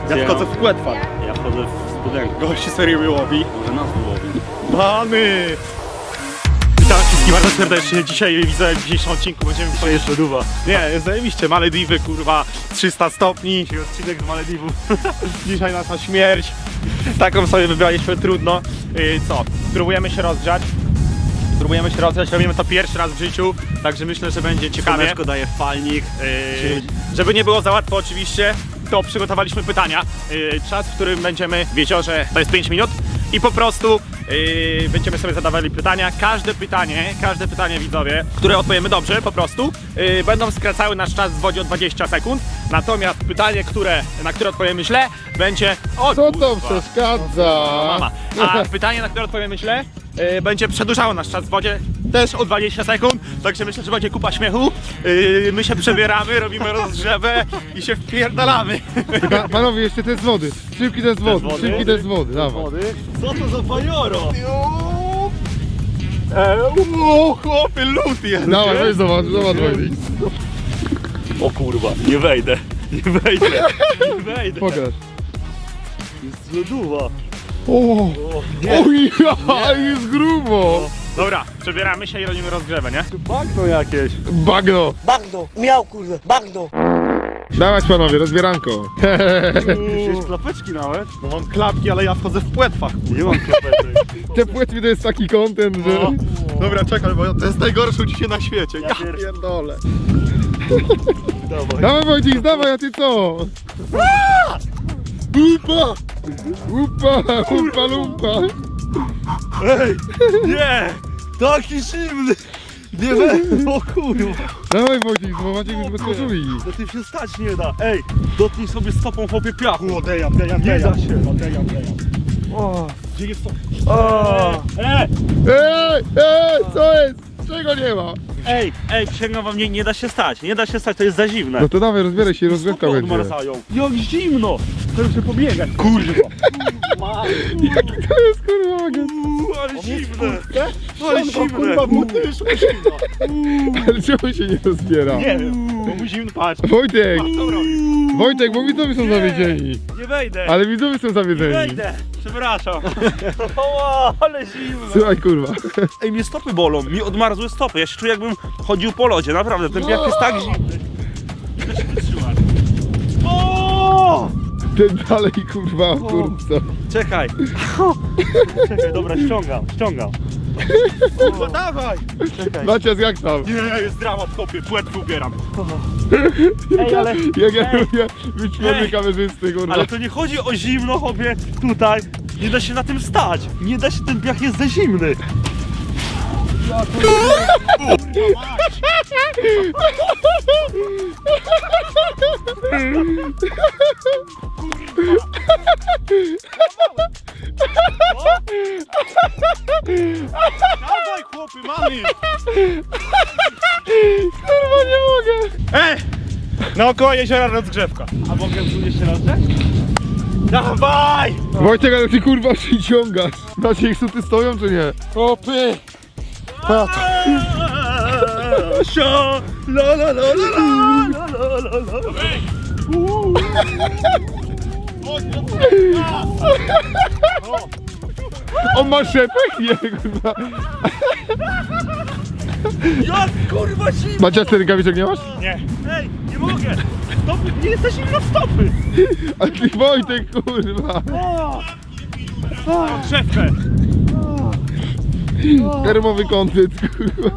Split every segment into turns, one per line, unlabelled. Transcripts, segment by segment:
Ja wchodzę w płetwa.
Ja wchodzę w studenkę.
Gości serio mnie łowi.
Może nas wyłowi.
Mamy! Witam wszystkich bardzo serdecznie. Dzisiaj widzę w dzisiejszym odcinku będziemy
To jeszcze duwa.
Nie, jest zajebiście. Malediwy, kurwa, 300 stopni.
Dzisiaj odcinek z Malediwów.
Dzisiaj nasza śmierć. Taką sobie wybraliśmy, trudno. Co? Spróbujemy się rozgrzać. Robimy to pierwszy raz w życiu, także myślę, że będzie ciekawie.
Słoneczko daje falnik.
Żeby nie było za łatwo oczywiście, to przygotowaliśmy pytania. Czas, w którym będziemy w jeziorze, to jest 5 minut i po prostu będziemy sobie zadawali pytania. Każde pytanie widzowie, które odpowiemy dobrze po prostu, będą skracały nasz czas w wodzie o 20 sekund. Natomiast pytanie, na które odpowiemy źle, będzie... O,
Co
kurwa,
to przeszkadza?
mama. A pytanie, na które odpowiemy źle, będzie przedłużało nasz czas w wodzie też o 20 sekund, także myślę, że będzie kupa śmiechu. My się przebieramy, robimy rozgrzewę i się wpierdalamy.
Panowie, jeszcze te z wody. Szybki te z wody.
wody?
Szybki te z wody. Dawaj.
Co to za fajoro?
Chłopy, lód jest.
Dawaj, weź zobacz Wojtek.
O kurwa, nie wejdę. Nie wejdę.
Pokaż.
Jest lodowa.
O, oj, jest grubo.
Dobra, przebieramy się i robimy rozgrzewę, nie?
Bagno jakieś.
Bagno.
Bagno, miał kurde, bagno.
Dawać panowie, rozbieranko.
Wziąłeś klapeczki nawet?
No mam klapki, ale ja wchodzę w płetwach.
Nie mam klapeczek.
Te płetwy to jest taki content, że...
Dobra, czekaj, bo to jest najgorsze uczucie na świecie. Ja
pier-
pierdolę.
Dawaj.
Dawaj Wojtek, dawaj, a ty co?
Upa!
Upa, lumpa.
Ej, nie! Taki zimny! Nie wejdę, o kurwa!
Dawaj Wojtek, bo Maciek już bez koszuli.
Do tym się stać nie da. Ej, dotknij sobie stopą chłopie piachu.
Dejam.
Nie da się.
O, gdzie jest to?
Ej,
Co jest? Czego nie ma?
ej, przysięgam wam, nie da się stać. Nie da się stać, to jest za zimne.
No to dawaj, rozbieraj się, rozgrzewka
Stopy
będzie.
odmarzają. Jak zimno! To już się pobiegać. Kurwa.
Jaki to jest kurwa magazyn?
Ale zimne. Ale zimne.
Kurwa, buty już
Ale czemu się nie rozbiera?
Nie wiem, to mu zimno, patrz.
Wojtek!
Co robi?
Wojtek, bo widzowie są zawiedzeni.
Nie wejdę.
Ale widzowie są zawiedzeni.
Wejdę. Przepraszam. O, ale zimno.
Słuchaj kurwa.
Ej, mnie stopy bolą, mi odmarzły stopy. Ja się czuję, jakbym chodził po lodzie, naprawdę. Ten piach jest tak zimny. Nie da się wytrzymać. O!
Ten dalej kurwa w kurtce.
Czekaj. Czekaj, dobra, ściągam.
No dawaj!
Czekaj.
Macias jak tam?
Nie, jest dramat, chłopie, płetwy ubieram.
Ej, ale...
Jak ja
Ej.
lubię być pierwszy
Ej.
kamerzysty kurwa.
Ale to nie chodzi o zimno, chłopie, tutaj. Nie da się na tym stać. Nie da się, ten piach jest za zimny.
Dawaj, chłopy, mamy!
Kurwa nie mogę.
Naokoło jeziora rozgrzewka.
A mogę tu jeszcze raz dać?
Dawaj!
Wojtek, ale ty kurwa przyciągasz. Maciek, suty stoją czy nie?
Chłopy!
Sio, la la la la la la la la.
On ma szepek? Nie kurwa.
Jak kurwa zimno!
Macias, ty rękawiczek nie masz?
Nie.
Ej, nie mogę! Stopy, nie jesteś zimno stopy!
A ty Wojtek kurwa.
Rozgrzewkę.
Termowy kontent kurwa.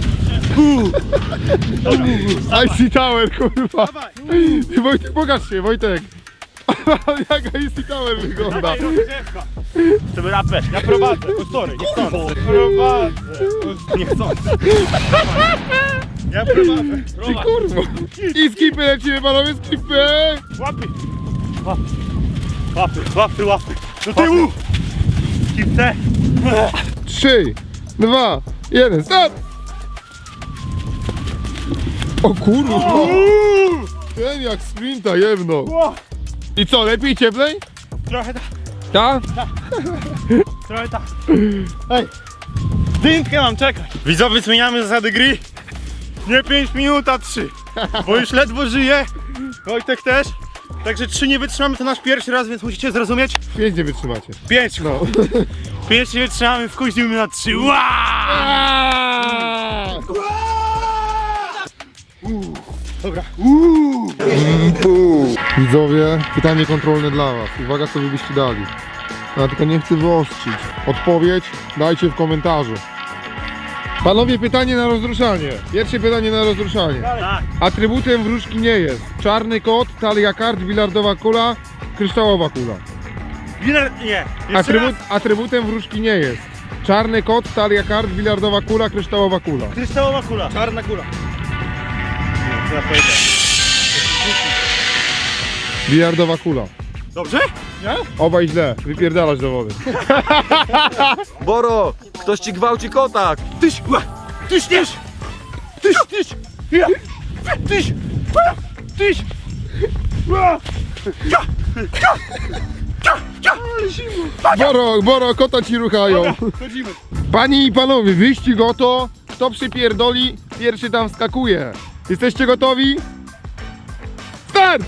Icy Tower kurwa. Ty, Wojtek, pokaż się Wojtek. Jak Icy Tower wygląda.
Dawaj, rozgrzewka.
Chcemy rapę.
Ja prowadzę, o sorry, nie chcący. Prowadzę. Nie chcący. Ja prowadzę.
Ty kurwa. I skipy lecimy panowie, skipy.
Łapy.
Łapy. Do tyłu! Kipce!
3, 2, 1, start! O kurwa! Ten jak sprinta jebno. I co, lepiej cieplej?
Trochę tak.
Ta?
Trochę tak. Ej, dymkę mam, czekaj. Widzowie, zmieniamy zasady gry. Nie 5 minut, a 3. Bo już ledwo żyję. Wojtek też. Także 3 nie wytrzymamy, to nasz pierwszy raz, więc musicie zrozumieć.
5 nie wytrzymacie.
5.
No.
5 nie wytrzymamy, wkuźnimy na 3. Dobra.
Widzowie, pytanie kontrolne dla was. Uwaga, co wy byście dali. Ja tylko nie chcę wyostrzyć. Odpowiedź dajcie w komentarzu. Panowie, pytanie na rozruszanie. Pierwsze pytanie na rozruszanie.
Tak.
Atrybutem wróżki nie jest czarny kot, talia kart, bilardowa kula, kryształowa kula.
Nie. Jeszcze raz.
Atrybutem wróżki nie jest czarny kot, talia kart, bilardowa kula, kryształowa kula.
Kryształowa kula. Czarna kula. Nie, co ja powiedziałem?
Bilardowa kula.
Dobrze? Nie?
Obaj źle, wypierdalasz do wody.
Boro, ktoś ci gwałci kotak.
Tyś! Ja! Tyś!
Boro, kota ci ruchają.
Chodzimy.
Panie i panowie, wyścig oto. Kto przypierdoli, pierwszy tam wskakuje. Jesteście gotowi? Start!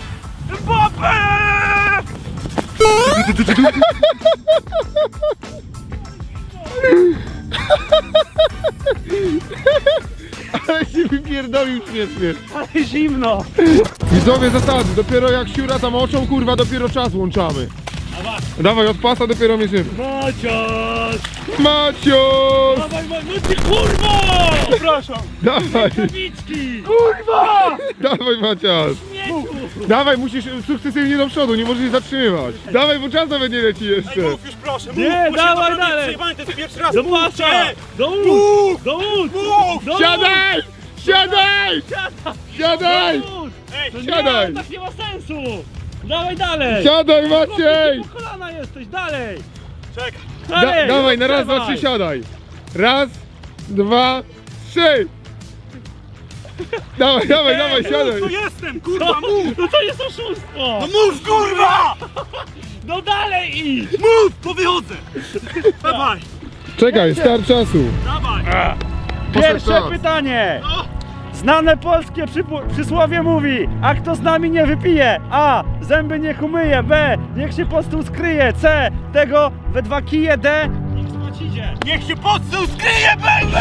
Ale się wypierdolił śmiesznie.
Ale zimno.
Widzowie zasady, dopiero jak siura tam oczą, kurwa, dopiero czas łączamy. Dawaj, od pasa dopiero mierzymy.
Maciaś!
Macios!
Dawaj, no ty kurwa! Przepraszam.
Dawaj,
Kawiczki! Kurwa!
dawaj Macias! Dawaj, musisz sukcesywnie do przodu, nie możesz się zatrzymywać. Dawaj, bo czas nawet nie leci jeszcze.
Mów już proszę, mów!
Nie,
bo się
dawaj
naprawdę
dalej.
przejebałem, to jest pierwszy raz!
Do
Mów,
pasa!
nie!
Do łód! Do łód! Do
Siadaj! Siadaj! Siadaj!
łód!
Ej,
To
Siadaj!
nie, tak nie ma sensu! Dawaj dalej!
Siadaj, Maciej!
Po kolana jesteś, dalej!
czekaj!
Dalej!
Dawaj, na raz, dwa,
Dawaj.
trzy, siadaj. Raz, dwa, trzy. Dawaj, siadaj.
Tu jestem, kurwa, mów!
No to jest oszustwo!
No mów, kurwa!
No dalej idź!
Mów, to wychodzę! Dawaj,
Czekaj, start czasu.
dawaj!
Pierwsze
czas.
pytanie!
No.
Znane polskie przysłowie mówi: a kto z nami nie wypije? A. Zęby niech umyje. B. Niech się pod stół skryje. C. Tego we 2 kije. D. Niech spać idzie.
Niech się pod stół skryje, baby!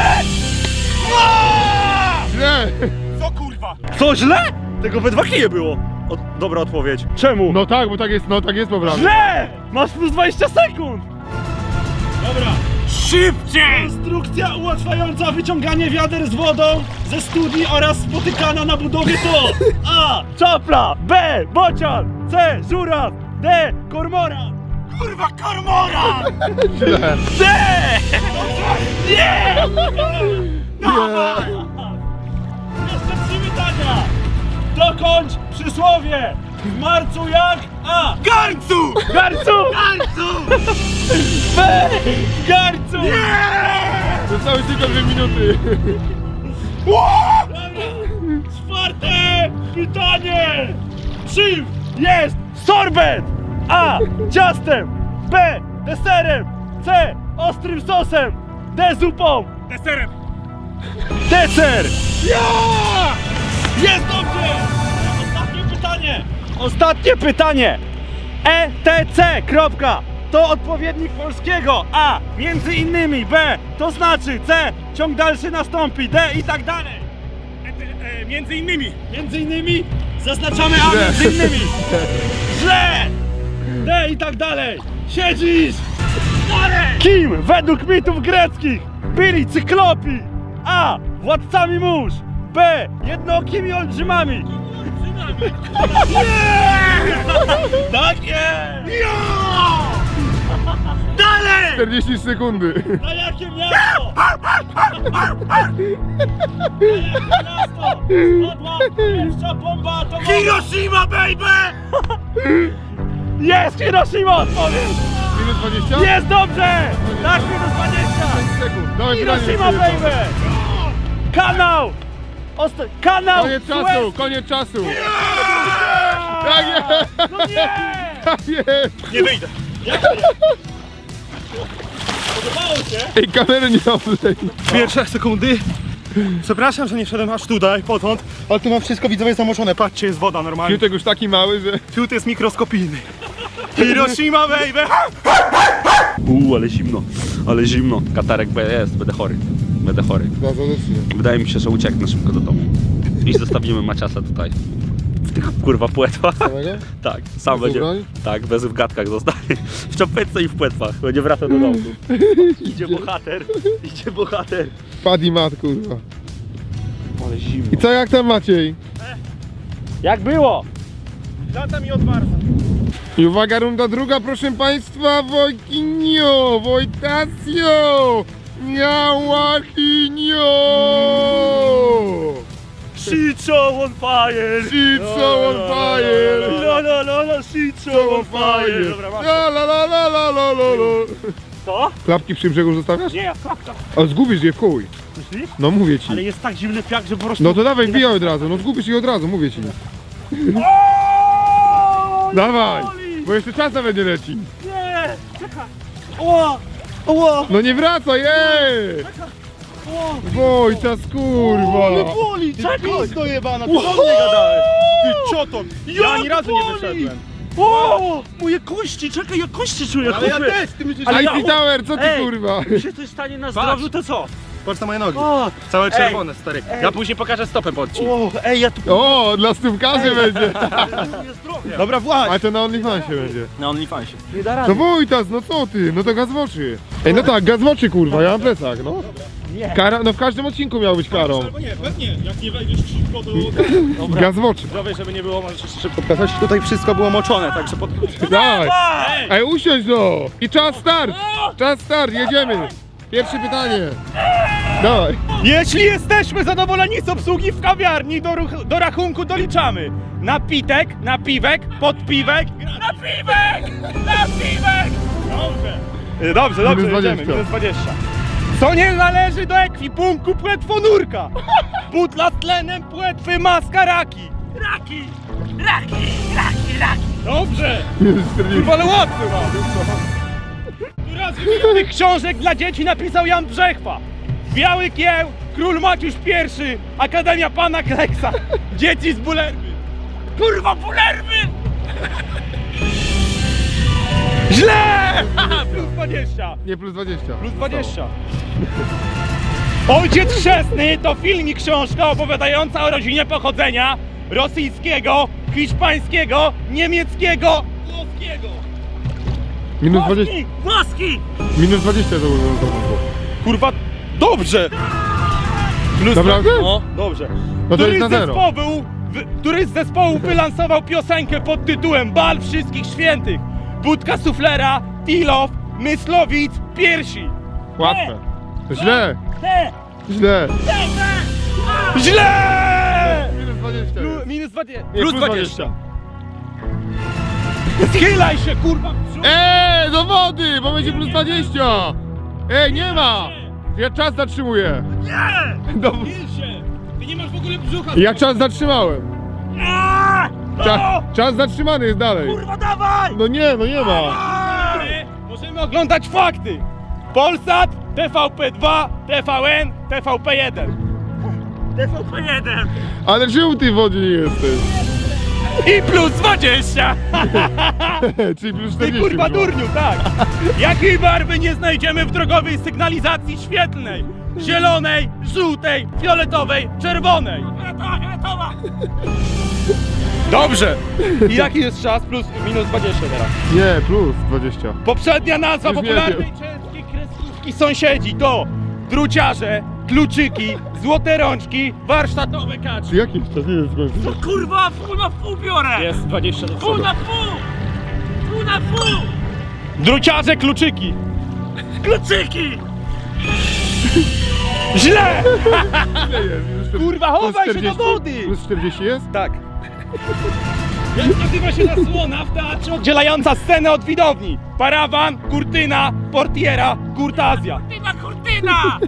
Źle.
Co kurwa?
Co, źle? Tego we 2 kije było. Dobra odpowiedź. Czemu?
No tak, bo tak jest poprawnie.
Źle! Masz plus 20 sekund!
Dobra, szybciej!
Instrukcja ułatwiająca wyciąganie wiader z wodą ze studni oraz spotykana na budowie to: A. Czapla. B. Bocian. C. Żuraw. D. Kormoran.
Kurwa, kormora!
Źle.
D.
Dawaj!
Jeszcze 3 pytania. Dokończ przysłowie. W marcu jak? A.
Garncu!
Garcu.
Garncu!
B. W garcu.
Zostały tylko 2 minuty.
Czwarte pytanie! Czym jest sorbet? A. Ciastem. B. Deserem. C. Ostrym sosem. D. Zupą.
Deserem!
Deser! Jest dobrze! Ostatnie pytanie! Ostatnie pytanie! ETC. Kropka. To odpowiednik polskiego. A. Między innymi. B. To znaczy. C. Ciąg dalszy nastąpi. D. I tak dalej.
Między innymi!
Między innymi zaznaczamy A
Źle.
między innymi. Źle! D i tak dalej. Siedzisz! Kim według mitów greckich byli cyklopi? A. Władcami mórz. B. Jednookimi olbrzymami. Tak jest!
Dalej!
40 sekundy.
Na jakie miasto? Na jakie miasto? Spadła pierwsza bomba atomowa.
Hiroshima, baby!
Jest Hiroshima, odpowiedź!
Minus 20?
Jest dobrze! Tak, minus 20!
5 sekund. Dawaj, pytanie.
Hiroshima, baby! Kanał! Kanał!
Koniec czasu,
Suez-
koniec czasu. Tak jest.
No nie!
Tak jest.
Nie wyjdę!
Podobało się?
Ej, kamery nie oblej.
Pierwsze sekundy
Przepraszam, że nie wszedłem aż tutaj, potąd, ale tu mam wszystko widzowie zamoczone. Patrzcie, jest woda normalnie.
Piutek już taki mały, że...
Fiut jest mikroskopijny. Hiroshima, baby!
Ale zimno, ale zimno. Katarek jest, będę chory. Będę chory. Wydaje mi się, że ucieknę szybko do domu. I zostawimy Maciasa tutaj. W tych kurwa płetwach.
Samego?
Tak, sam będzie.
ubrań?
Tak, bez w gadkach zostanie. W czapeczce i w płetwach. Będzie wracał do domu. Idzie bohater. Idzie bohater.
Paddy mat, kurwa.
Ale zimno.
I co, jak tam Maciej?
Jak było? Lata mi odmarza.
I uwaga, runda druga, proszę państwa, Wojkinio, Wojtasio, Miałachinio!
Shit show on fire!
Shit show on fire!
La la la la, shit show on fire! Dobra, masz.
La la la la la la la la.
Co?
Klapki przy brzegu zostawiasz?
Nie, jak klapka.
A zgubisz je w chuj.
Myślisz?
No mówię ci.
Ale jest tak zimny piach, że po prostu...
No to dawaj, wbijaj od razu, no zgubisz je od razu, mówię ci.
O,
Dawaj,
boli!
bo jeszcze czas nawet nie leci.
Nie! Czekaj! Ła! Ła!
No nie wracaj, ej! Wojtas, kurwa!
Ale boli! Czekaj!
Pisto jebana, ty do mnie gadałeś. Ty cioton. Ja ani razu nie wyszedłem.
O! Moje kości! Czekaj, ja kości czuję!
Ale ja
chłopie.
też, ty myślisz,
Ale
że...
ja-
Icy Tower, co ty
Ej!
kurwa?
Jak się coś stanie na zdrowiu, to co?
Patrz na moje nogi.
O!
Całe czerwone, stary. Ja później pokażę stopę pod ci.
O! Ej, ja tu...
O, dla stópkarzy będzie.
Nie zdrowie!
Dobra, właśnie.
A to na OnlyFansie będzie.
Na OnlyFansie.
Nie da
No
rady.
Wojtas, no co ty? No to gaz w oczy. Ej, no tak, gaz w oczy kurwa, ja mam plecak, no.
Nie.
Kara, no w każdym odcinku miał być karą.
Albo nie, pewnie. Jak nie wejdziesz szybko, to...
Gaz w oczy.
Zdrowie, żeby nie było, możesz jeszcze szybko pokazać. Tutaj wszystko było moczone, także pod...
Daj. Ej, usiądź no. I czas start. Czas start, jedziemy. Pierwsze pytanie. Dawaj.
Jeśli jesteśmy zadowoleni z obsługi w kawiarni, do rachunku doliczamy napitek, napiwek, podpiwek, napiwek, napiwek! Dobrze. Dobrze, dobrze,
Minus
jedziemy,
20.
minus 20. Co nie należy do ekwipunku płetwonurka? Butla z tlenem, płetwy, maska, raki. Raki! Raki! Raki! Raki! Dobrze! Kurwa, ale łatwy mam! Która z wymienionych książek dla dzieci napisał Jan Brzechwa? Biały Kieł, Król Maciusz I, Akademia Pana Kleksa, Dzieci z Bulerby. Kurwa, Bulerby! Źle! Plus 20.
Nie, plus 20.
Plus 20. Ojciec Chrzestny to film i książka opowiadająca o rodzinie pochodzenia rosyjskiego, hiszpańskiego, niemieckiego, włoskiego.
Minus 20.
Włoski!
Minus 20 to było.
Kurwa, dobrze! Plus
Naprawdę?
No, dobrze.
No to jest na zero.
Który z zespołów wylansował piosenkę pod tytułem Bal Wszystkich Świętych? Budka Suflera, Tilow, Myslowic, Piersi.
Łatwe. To źle.
Te!
Źle.
Źle!
Minus 20.
Minus 20.
Nie,
Plus 20. Schylaj się, kurwa!
Ej, do wody, bo będzie plus 20. Ej, nie ma. Ja czas zatrzymuję.
Nie!
Do...
Schyl się! Ty nie masz w ogóle brzucha!
Ja czas zatrzymałem. Czas zatrzymany jest dalej.
Kurwa, dawaj!
No nie ma.
Możemy oglądać fakty! Polsat, TVP2, TVN, TVP1. TVP1!
Ale czemu ty w wodzie nie jesteś?
I plus 20!
Czyli plus
Ty
40.
kurwa
chyba.
durniu, tak! Jakiej barwy nie znajdziemy w drogowej sygnalizacji świetlnej? Zielonej, żółtej, fioletowej, czerwonej! Fioletowa! Dobrze! I jaki jest czas? Plus, minus 20 teraz.
Nie, plus 20.
Poprzednia nazwa
Już nie
popularnej
wiem.
części kreskówki sąsiedzi to druciarze, kluczyki, złote rączki, warsztatowe kaczy.
Czy jakiś czas nie jest skończony?
Kurwa, pół na pół biorę!
Jest 20 do
Pół
przodu.
na pół! Pół na pół!
Druciarze, kluczyki.
Kluczyki!
Źle!
Nie jest. Już
Kurwa,
plus
chowaj się do
40?
wody!
Plus 40 jest?
Tak. Jak nazywa się zasłona w teatrze oddzielająca scenę od widowni? Parawan, kurtyna, portiera, kurtazja.
Kurtyna, kurtyna!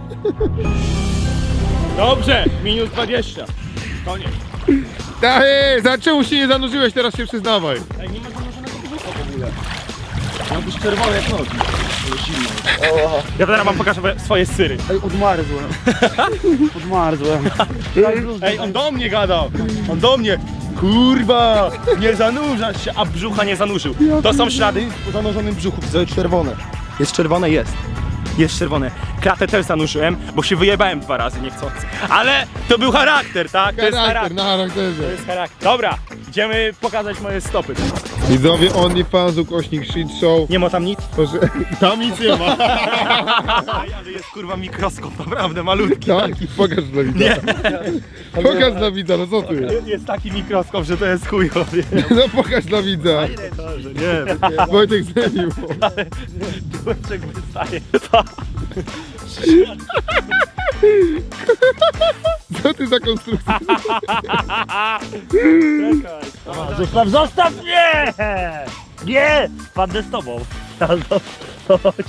Dobrze, minus 20. Koniec.
Ej, za czemu się nie zanurzyłeś, teraz się przyznawaj.
Ej, nie ma zanurzonego brzucha w ogóle.
Mam już czerwone jak nogi.
Ja teraz wam pokażę swoje syry.
Ej, odmarzłem. Odmarzłem.
Ej, on do mnie gadał! On do mnie! Kurwa! Nie zanurzasz się, a brzucha nie zanurzył. To są ślady po zanurzonym brzuchu. To jest czerwone. Jest czerwone, jest. Jest czerwone. Klatę też zanurzyłem, bo się wyjebałem 2 razy niechcący. Ale to był charakter, tak? To jest charakter.
na charakterze.
To jest charakter. Dobra, idziemy pokazać moje stopy.
Widzowie OnlyFans, ukośnik shit show.
Nie ma tam nic.
Proszę, tam nic nie ma.
Ale jest kurwa mikroskop, naprawdę malutki.
Tak, pokaż dla widza. Pokaż dla widza, no co ty?
Jest taki mikroskop, że to jest chujowie.
No pokaż dla widza.
Nie,
Wojtek zemił.
Kurczek wystaje.
Co ty za konstrukcja?
Zostaw mnie! Nie! Padnę z tobą. Chodź.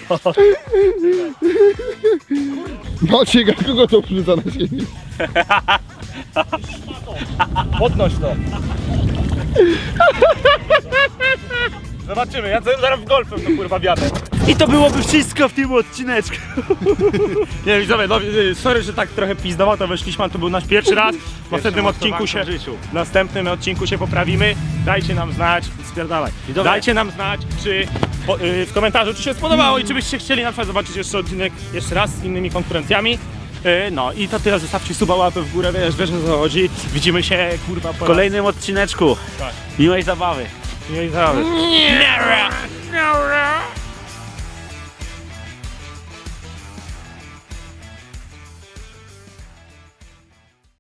Maciek, a kogo to wrzuca na siebie?
Podnoś to. Zobaczymy, ja zaraz w golfem to kurwa wiadę.
I to byłoby wszystko w tym odcineczku.
Nie, widzowie, no, sorry, że tak trochę pizdowo to weszliśmy, ale to był nasz pierwszy raz. W następnym odcinku się poprawimy. Dajcie nam znać, spierdalaj. Dajcie nam znać, czy w komentarzu, czy się spodobało i czy byście chcieli na przykład zobaczyć jeszcze odcinek jeszcze raz z innymi konkurencjami. No i to tyle, zostawcie suba, łapę w górę, wiesz o co chodzi. Widzimy się, kurwa, po
kolejnym odcineczku.
Tak.
Miłej zabawy.
Nie, nie, nie.